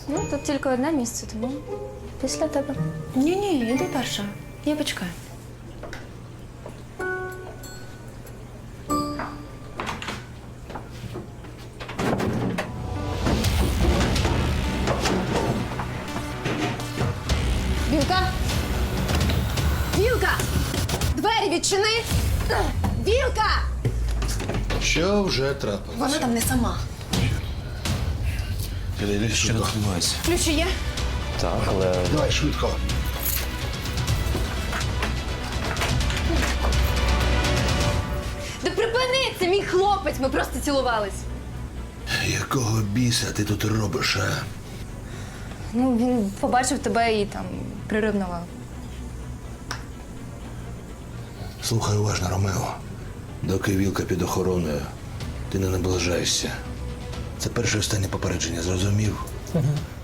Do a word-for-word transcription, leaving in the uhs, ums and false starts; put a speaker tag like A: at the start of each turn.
A: Ну, тут тільки одне місце, тому після тебе.
B: Ні-ні, іди перша. Я почекаю. Вілка! Вілка! Двері відчини! Вілка!
C: Що вже трапилося?
B: Вона там не сама.
C: Іди, іди,
D: Що
C: швидко.
D: відбувається?
B: Ключі є?
D: Так, але
C: Давай, швидко.
A: Да припини, це мій хлопець, ми просто цілувались.
C: Якого біса ти тут робиш, а?
A: Ну, він побачив тебе і там приревнував.
C: Слухай уважно, Ромео. Доки Вілка під охороною, ти не наближаєшся. Це перше і останнє попередження, зрозумів?